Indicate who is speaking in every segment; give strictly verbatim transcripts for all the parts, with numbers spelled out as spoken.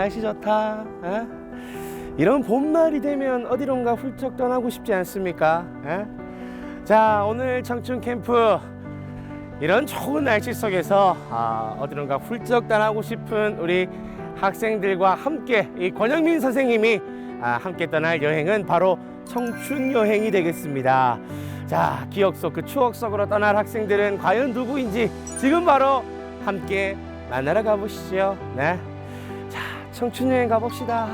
Speaker 1: 날씨 좋다. 에? 이런 봄날이 되면 어디론가 훌쩍 떠나고 싶지 않습니까? 에? 자, 오늘 청춘 캠프 이런 좋은 날씨 속에서 아, 어디론가 훌쩍 떠나고 싶은 우리 학생들과 함께 이 권영민 선생님이 아, 함께 떠날 여행은 바로 청춘 여행이 되겠습니다. 자, 기억 속 그 추억 속으로 떠날 학생들은 과연 누구인지 지금 바로 함께 만나러 가보시죠. 네, 자, 청춘 여행 가봅시다.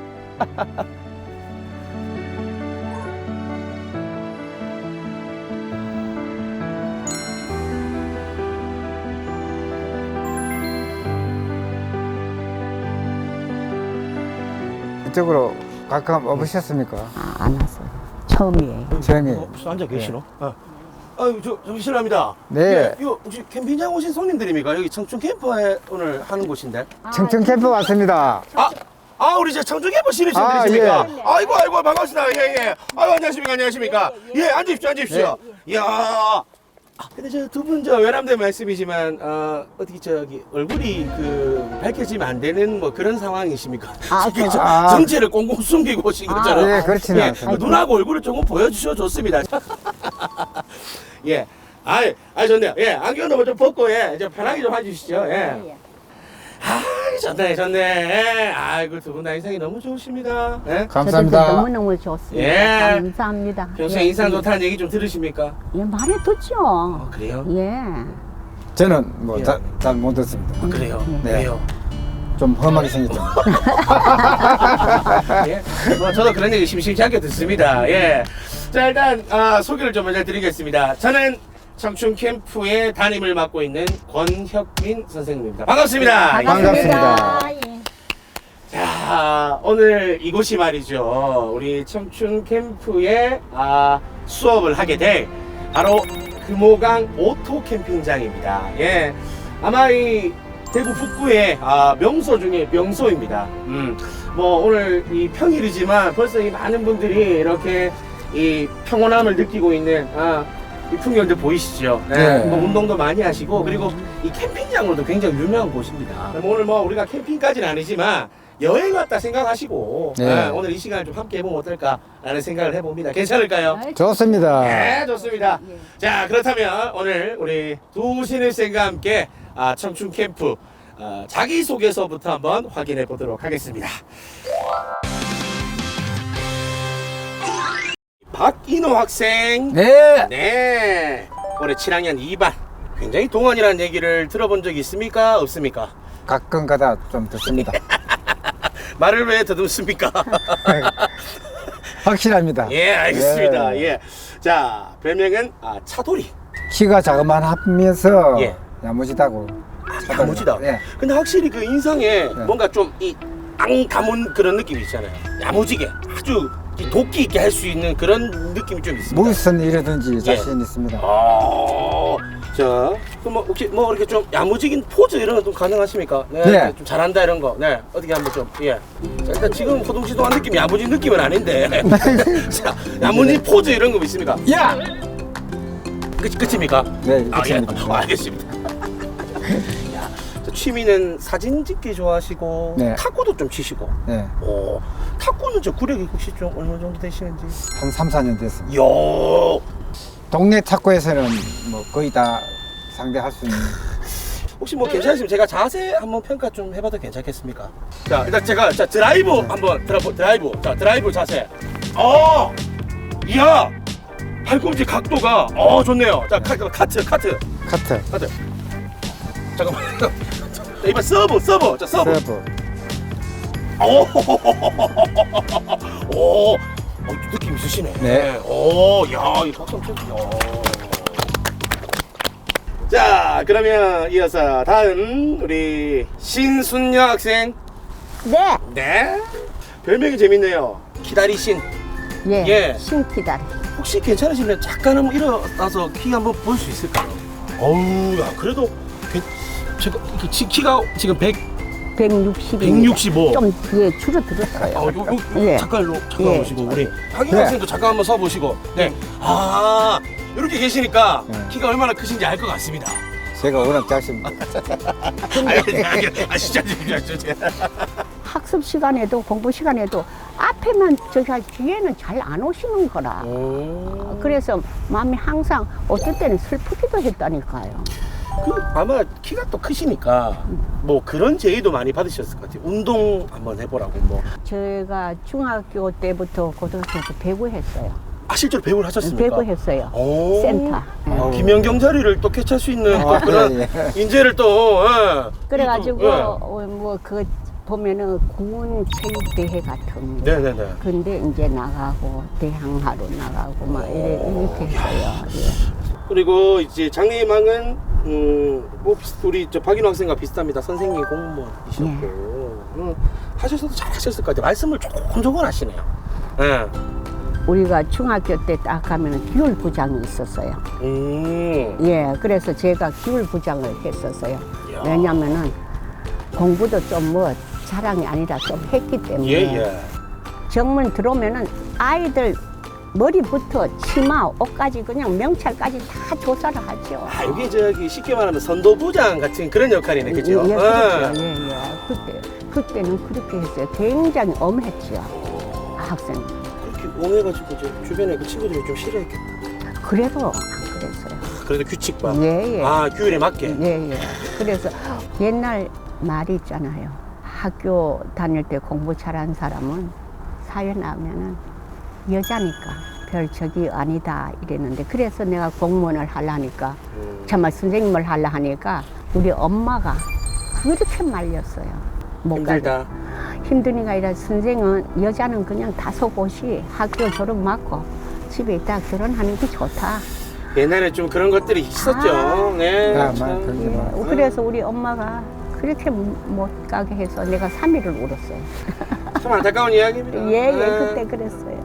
Speaker 2: 이쪽으로 가끔 와보셨습니까?
Speaker 3: 아, 안 왔어요. 처음이에요.
Speaker 2: 처음에.
Speaker 1: 어, 벌써 앉아 계시노? 어. 아유, 저, 저 실례합니다.
Speaker 2: 네.
Speaker 1: 예, 이거 혹시 캠핑장 오신 손님들입니까? 여기 청춘 캠프에 오늘 하는 곳인데.
Speaker 2: 청춘 캠프 왔습니다.
Speaker 1: 아, 아, 우리 저 청춘 캠프
Speaker 2: 아,
Speaker 1: 신입생들이십니까?
Speaker 2: 예.
Speaker 1: 아이고, 아이고, 반갑습니다. 예, 예. 아유, 안녕하십니까, 안녕하십니까. 예, 앉으십시오, 앉으십시오. 이야. 아, 근데 저 두 분 저 외람된 말씀이지만, 어, 어떻게 저기 얼굴이 그 밝혀지면 안 되는 뭐 그런 상황이십니까?
Speaker 3: 아,
Speaker 1: 지금 저
Speaker 2: 아.
Speaker 1: 정체를 꽁꽁 숨기고 오신
Speaker 3: 아,
Speaker 1: 거잖아요.
Speaker 2: 네, 그렇지는
Speaker 1: 예,
Speaker 2: 않습니다.
Speaker 1: 눈하고 얼굴을 조금 보여주셔 좋습니다. 예. 아이, 아이, 좋네요. 예, 안경도 좀 벗고, 예, 이제 편하게 좀 해주시죠. 예. 아, 좋네, 좋네. 예. 아이고, 두 분 다 인상이 너무 좋으십니다. 예.
Speaker 2: 감사합니다.
Speaker 3: 너무너무 좋습니다.
Speaker 1: 예.
Speaker 3: 감사합니다.
Speaker 1: 평소에
Speaker 3: 예,
Speaker 1: 인상
Speaker 3: 예.
Speaker 1: 좋다는 얘기 좀 들으십니까?
Speaker 3: 예, 말해 듣죠.
Speaker 1: 어, 그래요?
Speaker 3: 예.
Speaker 2: 저는 뭐
Speaker 1: 예.
Speaker 2: 잘 못 듣습니다.
Speaker 1: 아, 그래요?
Speaker 2: 네.
Speaker 1: 왜요?
Speaker 2: 좀 험하게 생겼죠.
Speaker 1: 예. 뭐, 저도 그런 얘기 심심치 않게 듣습니다. 예. 자, 일단, 아, 소개를 좀 먼저 드리겠습니다. 저는 청춘 캠프의 담임을 맡고 있는 권혁민 선생님입니다. 반갑습니다.
Speaker 2: 네, 반갑습니다.
Speaker 3: 예.
Speaker 1: 자, 오늘 이곳이 말이죠. 우리 청춘 캠프에 아, 수업을 하게 될 바로 금호강 오토 캠핑장입니다. 예. 아마 이 대구 북구의 아, 명소 중에 명소입니다. 음. 뭐 오늘 이 평일이지만 벌써 이 많은 분들이 이렇게 이 평온함을 느끼고 있는 아, 이 풍경들 보이시죠? 네.
Speaker 2: 네.
Speaker 1: 뭐 운동도 많이 하시고 그리고 이 캠핑장으로도 굉장히 유명한 곳입니다. 오늘 뭐 우리가 캠핑까지는 아니지만 여행 왔다 생각하시고
Speaker 2: 네.
Speaker 1: 네, 오늘 이 시간을 좀 함께 해보면 어떨까라는 생각을 해봅니다. 괜찮을까요?
Speaker 2: 좋습니다.
Speaker 1: 네, 좋습니다.
Speaker 3: 예.
Speaker 1: 자, 그렇다면 오늘 우리 두 신입생과 함께 아, 청춘 캠프 아, 자기소개서부터 한번 확인해 보도록 하겠습니다. 박인호 학생.
Speaker 2: 네.
Speaker 1: 네. 올해 칠 학년 이 반. 굉장히 동안이라는 얘기를 들어본 적이 있습니까? 없습니까?
Speaker 2: 가끔 가다 좀 듣습니다.
Speaker 1: 말을 왜 더듬습니까?
Speaker 2: 확실합니다.
Speaker 1: 예, 알겠습니다.
Speaker 2: 예.
Speaker 1: 예. 자, 별명은 아, 차돌이.
Speaker 2: 키가 자그만하면서
Speaker 1: 예.
Speaker 2: 야무지다고.
Speaker 1: 야무지다.
Speaker 2: 예.
Speaker 1: 근데 확실히 그 인상에 뭔가 좀 이 앙담은 그런 느낌이 있잖아요. 야무지게 아주 이 도끼 있게 할 수 있는 그런 느낌이 좀 있습니다.
Speaker 2: 무슨 일이든지 자신 있습니다.
Speaker 1: 아, 자, 그럼 뭐 혹시 뭐 이렇게 좀 야무지긴 포즈 이런 거 좀 가능하십니까? 네,
Speaker 2: 네.
Speaker 1: 이렇게 좀 잘한다 이런 거. 네, 어떻게 한번 좀 예. 자, 일단 지금 호동시동한 느낌이 야무진 느낌은 아닌데. 자, 야무진 포즈 이런 거 있습니까?
Speaker 2: 야!
Speaker 1: 끝 끝입니까?
Speaker 2: 네,
Speaker 1: 아, 예.
Speaker 2: 끝입니다.
Speaker 1: 아, 알겠습니다. 야, 저 취미는 사진 찍기 좋아하시고
Speaker 2: 네.
Speaker 1: 탁구도 좀 치시고.
Speaker 2: 네.
Speaker 1: 오, 탁구는 저 구력이 혹시 좀 어느 정도 되시는지?
Speaker 2: 한 삼, 사 년 됐습니다.
Speaker 1: 이야.
Speaker 2: 동네 탁구에서는 뭐 거의 다 상대할 수 있는.
Speaker 1: 혹시 뭐 괜찮으시면 제가 자세 한번 평가 좀 해봐도 괜찮겠습니까? 자, 일단 제가 자 드라이브 한번 드라이브 드라이브 자 드라이브 자세. 어, 이야, 팔꿈치 각도가 어 좋네요. 자 카, 카트 카트
Speaker 2: 카트,
Speaker 1: 카트. 잠깐만. 자, 이번 서브 서브 자 서브.
Speaker 2: 서브.
Speaker 1: 오, 오, 어, 느낌 있으시네.
Speaker 2: 네.
Speaker 1: 오, 야, 이 박수 한번 쳐주세요. 자, 그러면 이어서 다음 우리 신순녀 학생.
Speaker 3: 네.
Speaker 1: 네. 별명이 재밌네요. 기다리신.
Speaker 3: 예.
Speaker 1: 예.
Speaker 3: 신기다.
Speaker 1: 혹시 괜찮으시면 잠깐 한번 일어나서 키 한번 볼 수 있을까요? 어우, 야, 그래도 괜- 제가 이렇게 지- 키가 지금 백,
Speaker 3: 백육십.
Speaker 1: 백육십오.
Speaker 3: 좀 예, 줄어들었어요.
Speaker 1: 아, 요, 요,
Speaker 3: 예.
Speaker 1: 잠깐로 잠깐
Speaker 3: 예.
Speaker 1: 보시고 우리 박인
Speaker 2: 네.
Speaker 1: 학생도 잠깐 한번 서 보시고. 네. 아, 이렇게 계시니까
Speaker 2: 네.
Speaker 1: 키가 얼마나 크신지 알 것 같습니다.
Speaker 2: 제가 워낙 작습니다.
Speaker 1: 아, 아, 아, 진짜 진짜 진짜.
Speaker 3: 학습 시간에도 공부 시간에도 앞에만 저기 뒤에는 잘 안 오시는 거라.
Speaker 1: 오.
Speaker 3: 그래서 마음이 항상 어떨 때는 슬프기도 했다니까요.
Speaker 1: 그 아마 키가 또 크시니까 뭐 그런 제의도 많이 받으셨을 것 같아요. 운동 한번 해보라고 뭐.
Speaker 3: 제가 중학교 때부터 고등학교 때 배구했어요.
Speaker 1: 아 실제로 배우를 하셨습니까?
Speaker 3: 배구했어요.
Speaker 1: 오.
Speaker 3: 센터.
Speaker 1: 아, 김연경 자리를 또 캐치할 수 있는 또
Speaker 2: 아,
Speaker 1: 그런
Speaker 2: 예,
Speaker 1: 인재를 또. 예.
Speaker 3: 그래가지고
Speaker 1: 예.
Speaker 3: 뭐 그 보면은 군 체육대회 같은 거.
Speaker 1: 네네네.
Speaker 3: 근데 이제 나가고 대항하러 나가고 막 이래 이렇게 했어요. 예.
Speaker 1: 그리고 이제 장래희망은 음, 뭐 비슷- 우리 저 박인호 학생과 비슷합니다. 선생님 공무원이셨고
Speaker 3: 네.
Speaker 1: 음, 하셔서도 잘 하셨을 것 같아요. 말씀을 조금 조금 하시네요. 예.
Speaker 3: 우리가 중학교 때 딱 가면은 기울부장이 있었어요.
Speaker 1: 음.
Speaker 3: 예, 그래서 제가 기울부장을 했었어요.
Speaker 1: 이야.
Speaker 3: 왜냐면은 공부도 좀 뭐 자랑이 아니라 좀 했기 때문에
Speaker 1: 예예.
Speaker 3: 정문 들어오면은 아이들 머리부터 치마, 옷까지 그냥 명찰까지 다 조사를 하죠.
Speaker 1: 아 이게 저기 쉽게 말하면 선도부장 같은 그런 역할이네, 그죠?
Speaker 3: 예,
Speaker 1: 예.
Speaker 3: 그렇죠. 예, 예. 그때 그때는 그렇게 했어요. 굉장히 엄했죠. 학생.
Speaker 1: 그렇게 옹해가지고 이제 주변에 그 친구들이 좀 싫어했겠다.
Speaker 3: 그래도 안 그랬어요.
Speaker 1: 그래도 규칙과
Speaker 3: 예, 예.
Speaker 1: 아 규율에 맞게.
Speaker 3: 예, 예. 그래서 옛날 말이 있잖아요. 학교 다닐 때 공부 잘한 사람은 사회 나오면은 여자니까 별 적이 아니다 이랬는데, 그래서 내가 공무원을 하려니까
Speaker 1: 음.
Speaker 3: 정말 선생님을 하려 하니까 우리 엄마가 그렇게 말렸어요. 못
Speaker 1: 힘들다.
Speaker 3: 가게. 힘드니까 아니라 선생은 여자는 그냥 다섯 곳이 학교 졸업 맞고 집에 있다 결혼하는 게 좋다.
Speaker 1: 옛날에 좀 그런 것들이 있었죠.
Speaker 3: 아.
Speaker 1: 네.
Speaker 2: 아,
Speaker 1: 참.
Speaker 2: 그게
Speaker 3: 예,
Speaker 2: 뭐.
Speaker 3: 그래서 우리 엄마가 그렇게 못 가게 해서 내가 삼 일을 울었어요.
Speaker 1: 참 안타까운 이야기입니다.
Speaker 3: 예, 예,
Speaker 1: 네.
Speaker 3: 그때 그랬어요.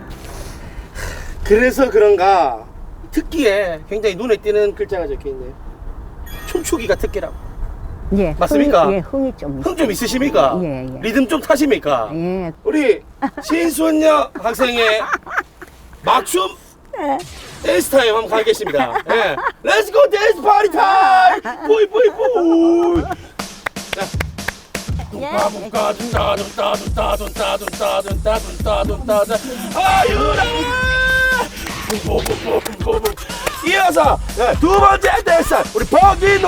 Speaker 1: 그래서 그런가 특기에 굉장히 눈에 띄는 글자가 적혀 있네요. 춤추기가 특기라고.
Speaker 3: 예,
Speaker 1: 맞습니까?
Speaker 3: 흥이, 예, 흥이 좀.
Speaker 1: 흥 좀 있으십니까?
Speaker 3: 예, 예.
Speaker 1: 리듬 좀 타십니까?
Speaker 3: 예,
Speaker 1: 우리 신순녀 학생의 막춤 댄스 타임 한번 가겠습니다. 예. Let's go dance party time! 뿌이 뿌이 뿌이! 자. 둥까둥까 둥까 둥까 둥까 둥까 둥까 둥까 둥까 둥까 둥까 아유라! 뿜뿜뿜뿜뿜 이어서 네, 두 번째 댄스 우리 박인호!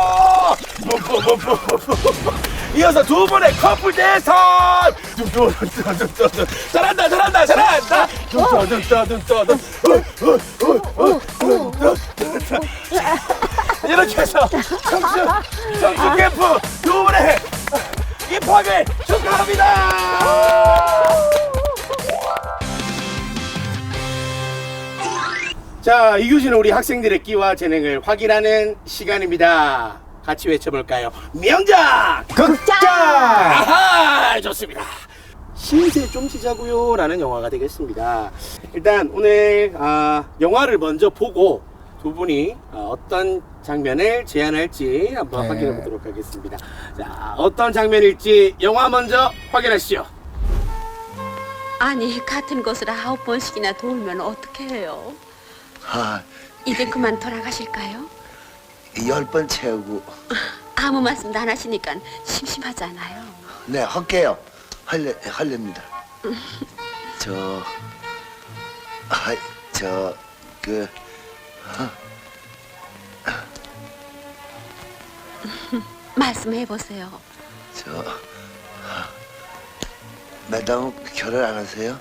Speaker 1: 뿜뿜뿜뿜뿜 이어서 두 번의 커플 댄스! 둥둥둥둥둥 잘한다 잘한다 잘한다! 둥둥둥둥둥 이렇게 해서 청춘 청춘 캠프 두 번의 입학을 축하합니다. 자, 이규진은 우리 학생들의 끼와 재능을 확인하는 시간입니다. 같이 외쳐볼까요? 명작!
Speaker 2: 극장!
Speaker 1: 아하! 좋습니다. 신세 좀 지자고요 라는 영화가 되겠습니다. 일단 오늘 아, 영화를 먼저 보고 두 분이 어, 어떤 장면을 제안할지 한번
Speaker 2: 네.
Speaker 1: 확인해 보도록 하겠습니다. 자, 어떤 장면일지 영화 먼저 확인하시죠.
Speaker 4: 아니, 같은 곳을 아홉 번씩이나 돌면 어떻게 해요?
Speaker 5: 아,
Speaker 4: 이제 그만 돌아가실까요?
Speaker 5: 열 번 채우고
Speaker 4: 아무 말씀도 안 하시니까 심심하잖아요.
Speaker 5: 네 할게요. 할래 할렵니다. 저, 아, 저그
Speaker 4: 말씀해 보세요.
Speaker 5: 저 매당 결혼 안 하세요?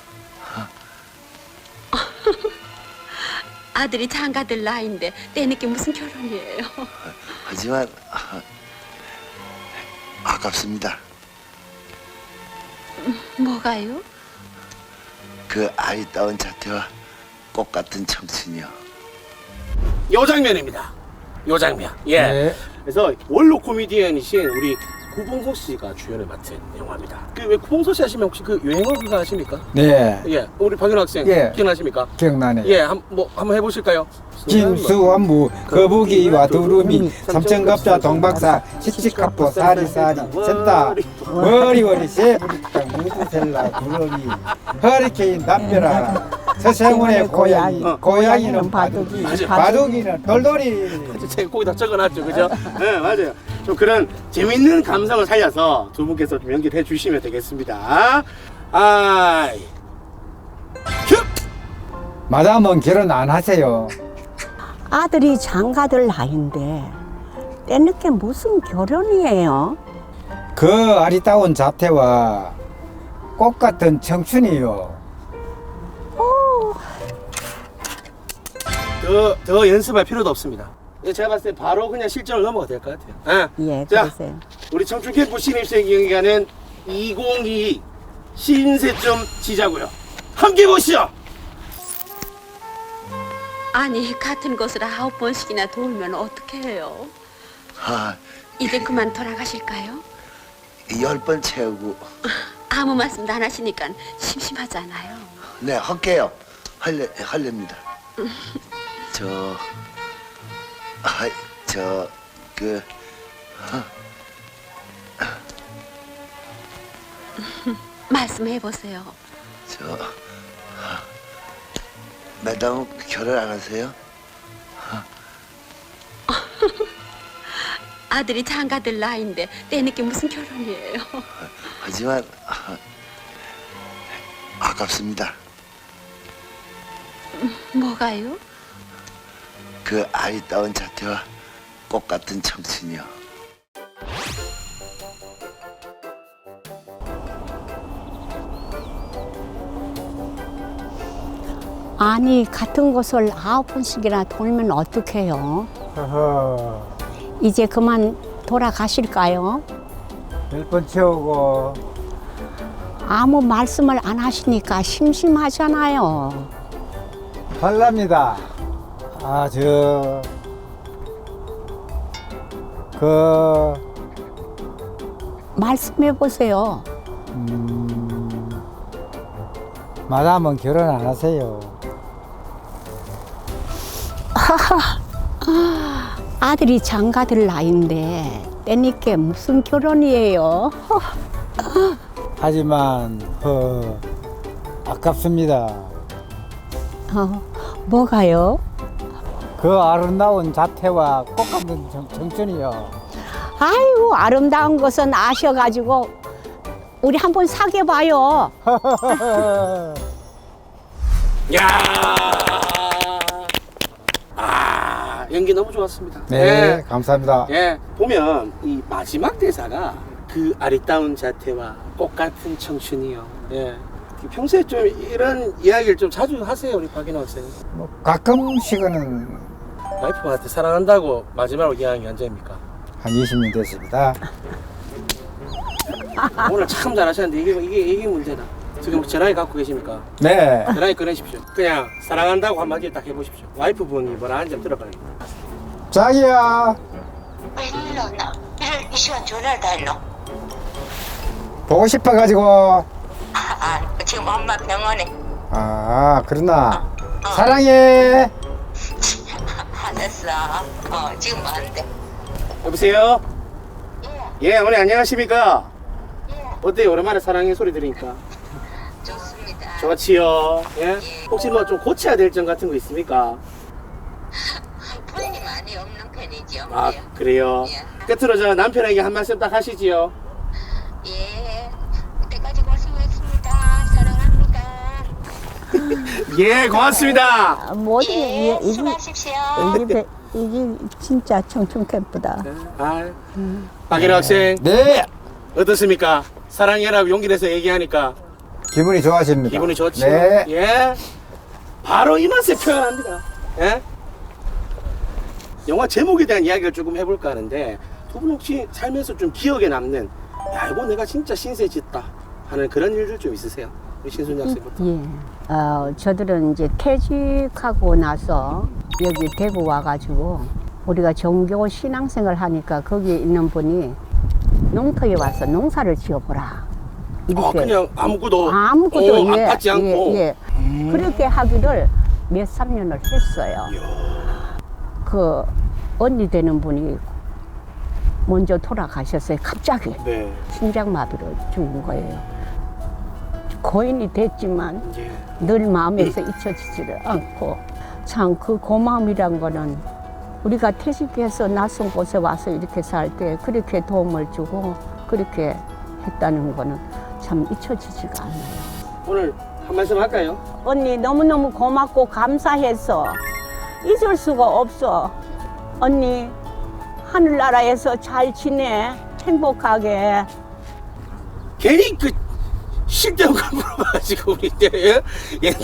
Speaker 4: 아들이 장가들 나이인데 때늦게 무슨 결혼이에요?
Speaker 5: 하지만 아, 아깝습니다.
Speaker 4: 뭐가요?
Speaker 5: 그 아리따운 자태와 꽃 같은 청춘이요.
Speaker 1: 요 장면입니다. 요 장면. 예.
Speaker 2: 네.
Speaker 1: 그래서 원로 코미디언이신 우리 구봉서 씨가 주연을 맡은 영화입니다. 그 왜 구봉서 씨 하시면 혹시 그 유행어 그거 아십니까?
Speaker 2: 네,
Speaker 1: 예. 우리 박윤호 학생
Speaker 2: 예.
Speaker 1: 기억나십니까?
Speaker 2: 기억나네.
Speaker 1: 예. 한, 뭐 한번 해보실까요?
Speaker 2: 진수원무 거북이와 두루미 삼천갑자 동박사 씩씩하포 사리사리 센다 워리워리 새부리탕 무드셀라 두러기 허리케인 담벼라 서세문의 고양이,
Speaker 1: 어.
Speaker 2: 고양이는 바둑이,
Speaker 1: 맞아.
Speaker 2: 바둑이는 돌돌이.
Speaker 1: 제가 거기다 적어놨죠, 그죠? 네, 맞아요. 좀 그런 재밌는 감성을 살려서 두 분께서 좀 연기를 해주시면 되겠습니다. 아이, 큐!
Speaker 2: 마담은 결혼 안 하세요.
Speaker 3: 아들이 장가들 나이인데 때늦게 무슨 결혼이에요?
Speaker 2: 그 아리따운 자태와 꽃 같은 청춘이요.
Speaker 1: 더, 더 연습할 필요도 없습니다. 제가 봤을 때 바로 그냥 실전을 넘어가도 될 것 같아요. 예.
Speaker 3: 예,
Speaker 1: 자,
Speaker 3: 그러세요.
Speaker 1: 우리 청춘캠프 신입생 경기가는 이천이십이 신세점 지자고요. 함께 보시죠.
Speaker 4: 아니 같은 곳을 아홉 번씩이나 돌면 어떻게 해요?
Speaker 5: 아,
Speaker 4: 이제 그만 돌아가실까요?
Speaker 5: 열 번 채우고.
Speaker 4: 아무 말씀도 안 하시니까 심심하잖아요.
Speaker 5: 네, 할게요. 할래, 할렵니다. 저, 아, 저, 그,
Speaker 4: 말씀해 보세요.
Speaker 5: 저, 매담 결혼 안 하세요?
Speaker 4: 아들이 장가들 나이인데 때늦게 무슨 결혼이에요?
Speaker 5: 하지만, 아, 아깝습니다.
Speaker 4: 뭐가요?
Speaker 5: 그 아리따운 자태와 꽃 같은 청춘이요.
Speaker 3: 아니 같은 곳을 아홉 번씩이나 돌면 어떡해요?
Speaker 2: 허허,
Speaker 3: 이제 그만 돌아가실까요?
Speaker 2: 열 번 채우고.
Speaker 3: 아무 말씀을 안 하시니까 심심하잖아요.
Speaker 2: 할랍니다. 아, 저, 그,
Speaker 3: 말씀해 보세요.
Speaker 2: 음, 마담은 결혼 안 하세요.
Speaker 3: 아들이 장가들 나이인데 때늦게 무슨 결혼이에요?
Speaker 2: 하지만, 어, 아깝습니다.
Speaker 3: 어, 뭐가요?
Speaker 2: 그 아름다운 자태와 꽃 같은 청- 청춘이요.
Speaker 3: 아이고 아름다운 것은 아셔가지고 우리 한번 사귀어봐요.
Speaker 1: 야, 아, 연기 너무 좋았습니다.
Speaker 2: 네, 감사합니다.
Speaker 1: 예, 예, 보면 이 마지막 대사가 그 아리따운 자태와 꽃 같은 청춘이요. 예. 평소에 좀 이런 이야기를 좀 자주 하세요, 우리 박인호 학생.
Speaker 2: 뭐 가끔씩은
Speaker 1: 와이프한테 사랑한다고 마지막으로 이야기한 게 언제입니까?
Speaker 2: 한 이십 년 됐습니다.
Speaker 1: 오늘 참 잘하셨는데 이게 이게 이게 문제다. 지금 전화기 갖고 계십니까?
Speaker 2: 네.
Speaker 1: 전화기 꺼내십시오. 그냥 사랑한다고 한마디 딱 해보십시오. 와이프분이 뭐라 하는지 한번 들어봐요.
Speaker 2: 자기야,
Speaker 6: 웬일로 나 이럴 이 시간 전화를 다 했노?
Speaker 2: 보고 싶어가지고.
Speaker 6: 아, 아, 지금 엄마 병원에.
Speaker 2: 아, 그러나. 사랑해.
Speaker 6: 알았어. 어, 지금 뭐하는데?
Speaker 1: 여보세요?
Speaker 6: 예,
Speaker 1: 예, 어머니 안녕하십니까?
Speaker 6: 예,
Speaker 1: 어때요? 오랜만에 사랑의 소리 들으니까.
Speaker 6: 좋습니다.
Speaker 1: 좋지요. 예? 혹시 뭐 좀 고쳐야 될 점 같은 거 있습니까?
Speaker 6: 부인이 많이 없는 편이지요.
Speaker 1: 아,
Speaker 6: 예.
Speaker 1: 그래요?
Speaker 6: 예.
Speaker 1: 끝으로 저 남편에게 한 말씀 딱 하시지요.
Speaker 6: 예, 그때까지 고생했습니다. 사랑합니다.
Speaker 1: 예, 고맙습니다.
Speaker 3: 아, 뭐든
Speaker 6: 예,
Speaker 3: 이게 이게
Speaker 6: 수고하십시오.
Speaker 3: 이게 이게 진짜 청춘 캠프다.
Speaker 1: 아, 박인호 학생
Speaker 2: 네.
Speaker 1: 어떻습니까? 사랑해라고 용기 내서 얘기하니까
Speaker 2: 기분이 좋아집니다.
Speaker 1: 기분이 좋죠?
Speaker 2: 네.
Speaker 1: 예. 바로 이 맛에 표현합니다. 예? 영화 제목에 대한 이야기를 조금 해볼까 하는데 두 분 혹시 살면서 좀 기억에 남는 야 이거 내가 진짜 신세 짓다 하는 그런 일들 좀 있으세요? 우리 신순 학생부터.
Speaker 3: 예. 어, 저들은 이제 퇴직하고 나서 여기 대구 와가지고 우리가 종교 신앙생활 하니까 거기 있는 분이 농터에 와서 농사를 지어보라.
Speaker 1: 아
Speaker 3: 이렇게
Speaker 1: 그냥 아무것도
Speaker 3: 아무것도
Speaker 1: 어, 안
Speaker 3: 예,
Speaker 1: 받지 않고
Speaker 3: 예, 예. 그렇게 하기를 몇 삼 년을 했어요. 그 언니 되는 분이 먼저 돌아가셨어요. 갑자기
Speaker 1: 네.
Speaker 3: 심장마비로 죽은 거예요. 고인이 됐지만
Speaker 1: 예.
Speaker 3: 늘 마음에서 잊혀지지를 않고 참 그 고마움이란 거는 우리가 퇴직해서 낯선 곳에 와서 이렇게 살 때 그렇게 도움을 주고 그렇게 했다는 거는 참 잊혀지지가 않아요.
Speaker 1: 오늘 한 말씀 할까요?
Speaker 3: 언니 너무너무 고맙고 감사해서 잊을 수가 없어. 언니 하늘나라에서 잘 지내. 행복하게.
Speaker 1: 괜히 그 실대로 물어봐가지고 우리 때 예?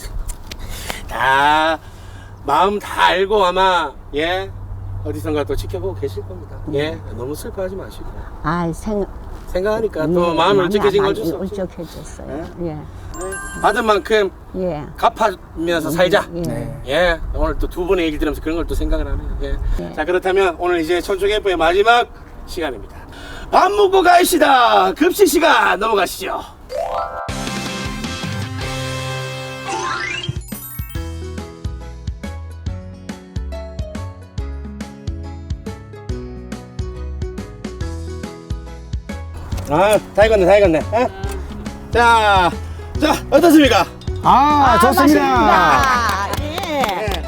Speaker 1: 다 마음 다 알고 아마 예 어디선가 또 지켜보고 계실 겁니다. 예 너무 슬퍼하지 마시고
Speaker 3: 아, 생
Speaker 1: 생각하니까 또 마음이 울적해진 걸 줄 수 없죠.
Speaker 3: 울적해졌어요. 예.
Speaker 1: 받은 만큼
Speaker 3: 예.
Speaker 1: 갚아면서 살자.
Speaker 3: 예.
Speaker 2: 네.
Speaker 1: 예 오늘 또 두 분의 얘기 들으면서 그런 걸 또 생각을 하네요. 예.
Speaker 3: 예.
Speaker 1: 자 그렇다면 오늘 이제 천충 캠프의 마지막 시간입니다. 밥 먹고 가시다 급식 시간 넘어가시죠. 아, 다 익었네, 다 익었네. 에? 자, 자, 어떻습니까?
Speaker 2: 아, 좋습니다.
Speaker 3: 맛있습니다. 예.
Speaker 1: 예.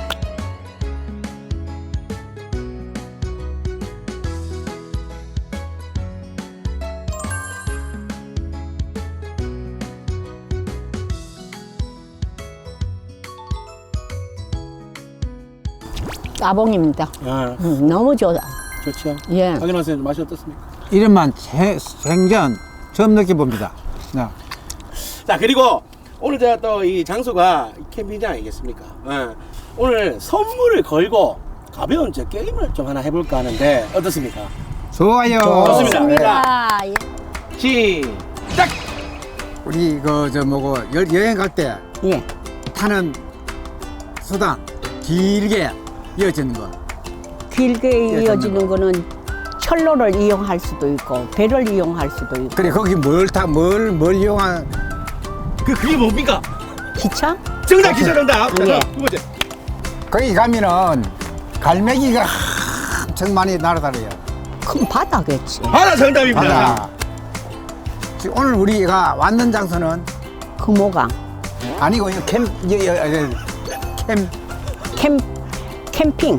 Speaker 3: 따봉입니다.
Speaker 1: 아,
Speaker 3: 음, 너무 좋아.
Speaker 1: 좋죠.
Speaker 3: 예.
Speaker 1: 확인하 선생님 맛이 어떻습니까?
Speaker 2: 이름만 제- 생전 처음 느껴봅니다. 네.
Speaker 1: 자, 그리고 오늘 제가 또 이 장소가 캠핑장 아니겠습니까? 예. 오늘 선물을 걸고 가벼운 저 게임을 좀 하나 해볼까 하는데 어떻습니까?
Speaker 2: 좋아요.
Speaker 1: 좋습니다.
Speaker 3: 좋습니다. 예.
Speaker 1: 시작!
Speaker 2: 우리 그 저 뭐고 여, 여행 갈 때
Speaker 3: 예.
Speaker 2: 타는 수단 길게 이어지는 거.
Speaker 3: 길게 이어지는 거는 철로를 이용할 수도 있고 배를 이용할 수도 있고
Speaker 2: 그래 거기 뭘 타 뭘 뭘 이용한
Speaker 1: 그, 그게 뭡니까?
Speaker 3: 기차?
Speaker 1: 정답 기자 정답! 자,
Speaker 3: 예.
Speaker 1: 두 번째.
Speaker 2: 거기 가면은 갈매기가 엄청 많이 날아다녀요.
Speaker 3: 큰 바다겠지.
Speaker 1: 하나 정답입니다.
Speaker 2: 바다. 지금 오늘 우리가 왔는 장소는
Speaker 3: 금호강.
Speaker 2: 아니고 이거 캠 여, 여, 여, 캠
Speaker 3: 캠 캠핑.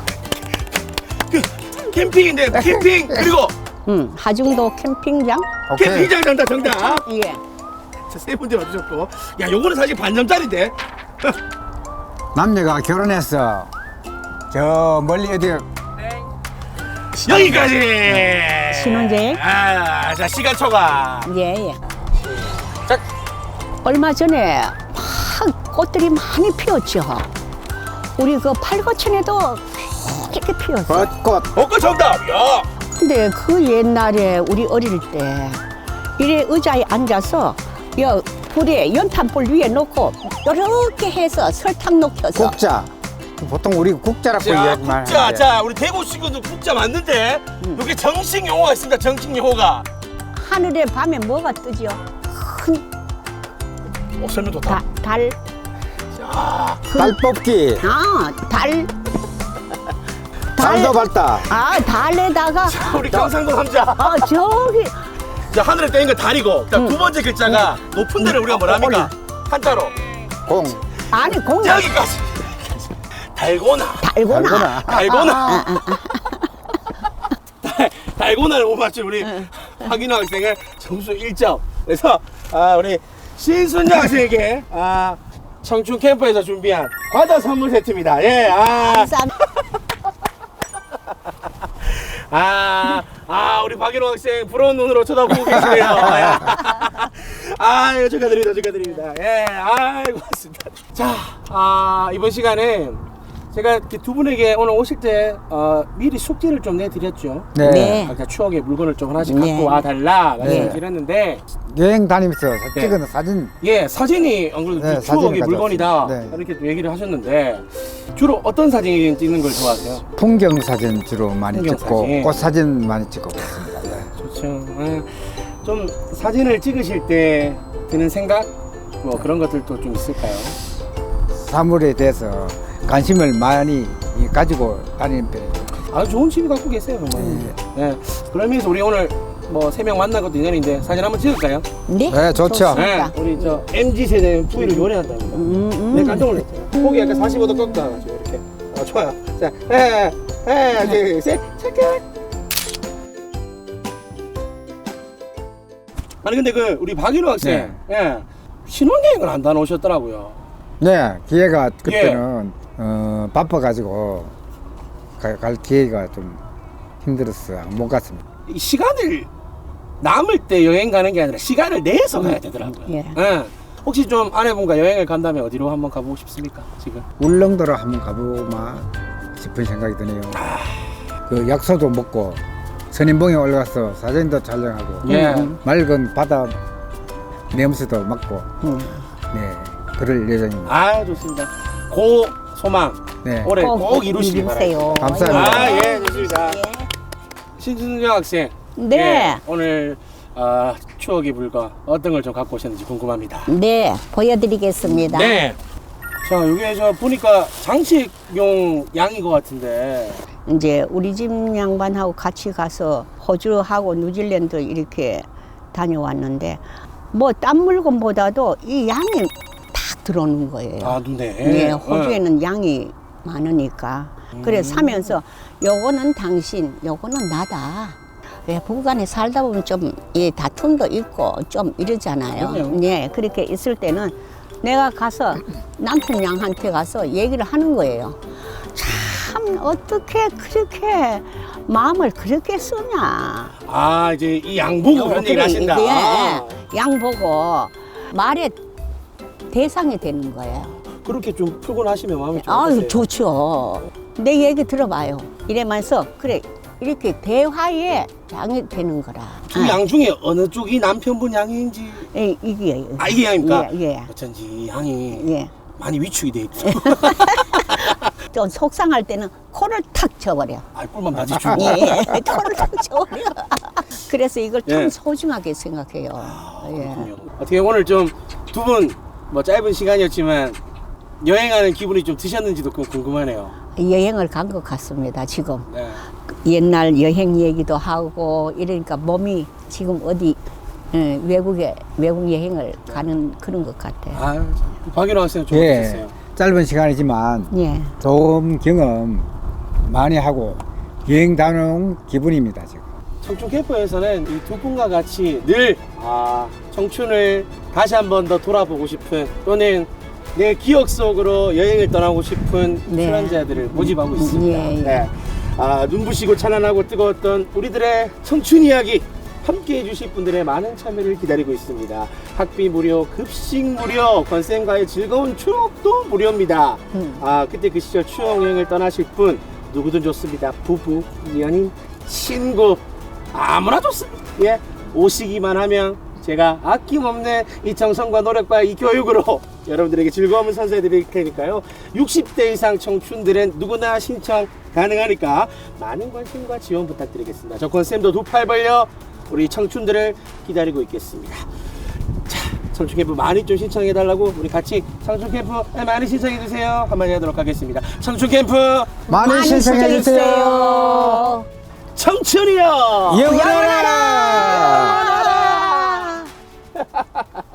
Speaker 1: 캠핑인데 캠핑 그리고
Speaker 3: 음, 하중도 캠핑장?
Speaker 2: 오케이.
Speaker 1: 캠핑장 정답 정답.
Speaker 3: 예.
Speaker 1: 자, 세 번째 맞으셨고, 야 요거는 사실 반점짜리인데.
Speaker 2: 남녀가 결혼해서 저 멀리 어디
Speaker 1: 여기까지.
Speaker 3: 신혼여행?
Speaker 1: 아, 자 시간 초과.
Speaker 3: 예, 예.
Speaker 1: 자,
Speaker 3: 얼마 전에 막 꽃들이 많이 피었죠. 우리 그 팔거천에도 이렇게 피었어.
Speaker 2: 벚꽃
Speaker 1: 벚꽃 정답. 야,
Speaker 3: 근데 그 옛날에 우리 어릴 때 이래 의자에 앉아서 여 불에 연탄불 위에 놓고 이렇게 해서 설탕 녹여서
Speaker 2: 국자 보통 우리 국자라고
Speaker 1: 자,
Speaker 2: 이야기만
Speaker 1: 국자.
Speaker 2: 하는데
Speaker 1: 자, 우리 대구 친구들 국자 맞는데 여기 정식 용어가 있습니다. 정식 용어가.
Speaker 3: 하늘에 밤에 뭐가 뜨죠? 큰
Speaker 1: 어, 설명 좋다.
Speaker 3: 다, 달,
Speaker 1: 자,
Speaker 2: 달 뽑기
Speaker 3: 아, 달,
Speaker 2: 달도 밝다
Speaker 3: 아, 달에다가,
Speaker 1: 우리 경상도 남자.
Speaker 3: 아, 저기,
Speaker 1: 자, 하늘에 떼인 건 달이고, 그다음
Speaker 3: 응.
Speaker 1: 두 번째 글자가 높은 데를 우리가 뭐라 합니까? 한자로.
Speaker 2: 공
Speaker 3: 아니, 공,
Speaker 1: 여기까지. 달고나.
Speaker 3: 달고나.
Speaker 1: 달고나. 달, 달고나를 못 맞춘 우리 박인호 학생의 점수 일 점. 그래서 아, 우리 신순영 학생에게 아, 청춘 캠프에서 준비한 과자 선물 세트입니다. 예, 아,
Speaker 3: 감사합니다.
Speaker 1: 아, 아, 우리 박인호 학생 부러운 눈으로 쳐다보고 계시네요. 아, 축하드립니다, 축하드립니다. 예, 아, 고맙습니다. 자, 아, 이번 시간에 제가 이렇게 두 분에게 오늘 오실 때 어, 미리 숙제를 좀 내드렸죠.
Speaker 2: 네.
Speaker 3: 네.
Speaker 1: 각자 추억의 물건을 좀 하나씩
Speaker 3: 네.
Speaker 1: 갖고 와 달라
Speaker 2: 네.
Speaker 1: 말씀드렸는데,
Speaker 2: 여행 다니면서
Speaker 1: 네.
Speaker 2: 찍은 사진
Speaker 1: 예, 사진이 안 그래도
Speaker 2: 네,
Speaker 1: 그 추억의
Speaker 2: 사진을
Speaker 1: 물건이다
Speaker 2: 가져왔어요. 네.
Speaker 1: 이렇게 또 얘기를 하셨는데, 주로 어떤 사진 찍는 걸 좋아하세요?
Speaker 2: 풍경 사진 주로 많이
Speaker 1: 풍경
Speaker 2: 찍고
Speaker 1: 사진.
Speaker 2: 꽃 사진 많이 찍고 그렇습니다. 네.
Speaker 1: 좋죠. 예. 좀 사진을 찍으실 때 드는 생각 뭐 그런 것들도 좀 있을까요?
Speaker 2: 사물에 대해서 관심을 많이 가지고 다니는 편이죠.
Speaker 1: 아주 좋은 취미 갖고 계세요, 정말.
Speaker 2: 네.
Speaker 1: 예. 그러면서 우리 오늘 뭐 세 명 만난 것도 인연인데 사진 한번 찍을까요?
Speaker 3: 네.
Speaker 2: 네, 좋죠.
Speaker 1: 네,
Speaker 3: 좋습니다.
Speaker 1: 우리 저 엠지 세대는 부위를 요리한답니다.
Speaker 3: 음, 음.
Speaker 1: 네, 깜짝 놀랐어요. 고기 약간 사십오 도 꺾어가지고 이렇게. 아, 좋아요. 자, 하나, 하나, 둘, 셋, 체크. 아니 근데 그 우리 박일호 학생, 예, 신혼여행을 안 다녀오셨더라고요.
Speaker 2: 네, 기회가 그때는 어, 바빠가지고 가- 갈 기회가 좀 힘들었어요. 못 갔습니다.
Speaker 1: 이 시간을 남을 때 여행 가는 게 아니라 시간을 내서 가야 되더라고요.
Speaker 3: 예.
Speaker 1: 예. 혹시 좀 아내분과 여행을 간다면 어디로 한번 가보고 싶습니까? 지금?
Speaker 2: 울릉도로 한번 가보마 싶은 생각이 드네요. 그 약소도 먹고 선인봉에 올라가서 사진도 촬영하고
Speaker 1: 예.
Speaker 2: 맑은 바다 냄새도 맡고
Speaker 3: 음.
Speaker 2: 네 그럴 예정입니다.
Speaker 1: 아 좋습니다. 고 소망
Speaker 2: 네.
Speaker 1: 올해 꼭, 이루시기 바랍니다.
Speaker 3: 이루세요.
Speaker 2: 감사합니다.
Speaker 1: 아 예 좋습니다.
Speaker 3: 예.
Speaker 1: 신준영 학생.
Speaker 3: 네.
Speaker 1: 예, 오늘 아, 추억의 물건 어떤 걸 좀 갖고 오셨는지 궁금합니다.
Speaker 3: 네, 보여드리겠습니다.
Speaker 1: 네. 자 여기 저 보니까 장식용 양인 것 같은데.
Speaker 3: 이제 우리 집 양반하고 같이 가서 호주하고 뉴질랜드 이렇게 다녀왔는데 뭐 딴 물건보다도 이 양이 딱 들어오는 거예요.
Speaker 1: 아 눈에.
Speaker 3: 네, 호주에는 양이 많으니까. 그래 사면서 요거는 당신, 요거는 나다. 왜 부부간에 살다 보면 좀 예, 다툼도 있고 좀 이러잖아요.
Speaker 1: 그럼요.
Speaker 3: 네, 그렇게 있을 때는 내가 가서 남편 양한테 가서 얘기를 하는 거예요. 참 어떻게 그렇게 마음을 그렇게 쓰냐.
Speaker 1: 아 이제 이 양 보고 그런 얘기를 하신다.
Speaker 3: 예,
Speaker 1: 아,
Speaker 3: 양 보고 말의 대상이 되는 거예요.
Speaker 1: 그렇게 좀 표현하시면 마음이 좀
Speaker 3: 아유
Speaker 1: 어떠세요?
Speaker 3: 좋죠. 내 얘기 들어봐요. 이래면서 그래 이렇게 대화에 양이 되는 거라.
Speaker 1: 두 양 중에 어느 쪽이 남편분 양인지.
Speaker 3: 예, 이게
Speaker 1: 아 이게 양입니까?
Speaker 3: 예, 예.
Speaker 1: 어쩐지 이 양이
Speaker 3: 예.
Speaker 1: 많이 위축이 돼 있어.
Speaker 3: 좀 속상할 때는 코를 탁 쳐버려.
Speaker 1: 아 꿀만 맞이 주고.
Speaker 3: 예, 예. 코를 탁 쳐버려. 그래서 이걸 참
Speaker 1: 예.
Speaker 3: 소중하게 생각해요. 예.
Speaker 1: 그렇군요. 어떻게 오늘 좀 두 분 뭐 짧은 시간이었지만 여행하는 기분이 좀 드셨는지도 좀 궁금하네요.
Speaker 3: 여행을 간 것 같습니다. 지금
Speaker 1: 네.
Speaker 3: 옛날 여행 얘기도 하고 이러니까 몸이 지금 어디 예, 외국에 외국 여행을 가는 그런 것 같아요.
Speaker 1: 아, 참. 박일호 학생 좀
Speaker 2: 예,
Speaker 1: 어떠셨어요?
Speaker 2: 짧은 시간이지만
Speaker 3: 예.
Speaker 2: 좋은 경험 많이 하고 여행 다녀온 기분입니다 지금.
Speaker 1: 청춘 캠프에서는 이 두 분과 같이 늘 아, 청춘을 다시 한 번 더 돌아보고 싶은 또는 내 기억 속으로 여행을 떠나고 싶은
Speaker 3: 네.
Speaker 1: 출연자들을 모집하고 있습니다.
Speaker 3: 예, 예.
Speaker 1: 네. 아, 눈부시고 찬란하고 뜨거웠던 우리들의 청춘 이야기 함께 해주실 분들의 많은 참여를 기다리고 있습니다. 학비 무료, 급식 무료, 건쌤과의 즐거운 추억도 무료입니다.
Speaker 3: 음.
Speaker 1: 아, 그때 그 시절 추억 여행을 떠나실 분 누구든 좋습니다. 부부, 연인, 친구 아무나 좋습니다. 예, 오시기만 하면 제가 아낌없는 이 정성과 노력과 이 교육으로 여러분들에게 즐거움을 선사해 드릴 테니까요. 육십 대 이상 청춘들은 누구나 신청 가능하니까 많은 관심과 지원 부탁드리겠습니다. 저건쌤도 두 팔 벌려 우리 청춘들을 기다리고 있겠습니다. 자, 청춘 캠프 많이 좀 신청해 달라고 우리 같이 청춘 캠프 많이 신청해 주세요. 한마디 하도록 하겠습니다. 청춘 캠프
Speaker 2: 많이 신청해 주세요.
Speaker 1: 청춘이요.
Speaker 2: 영원하라.
Speaker 3: 영원하라.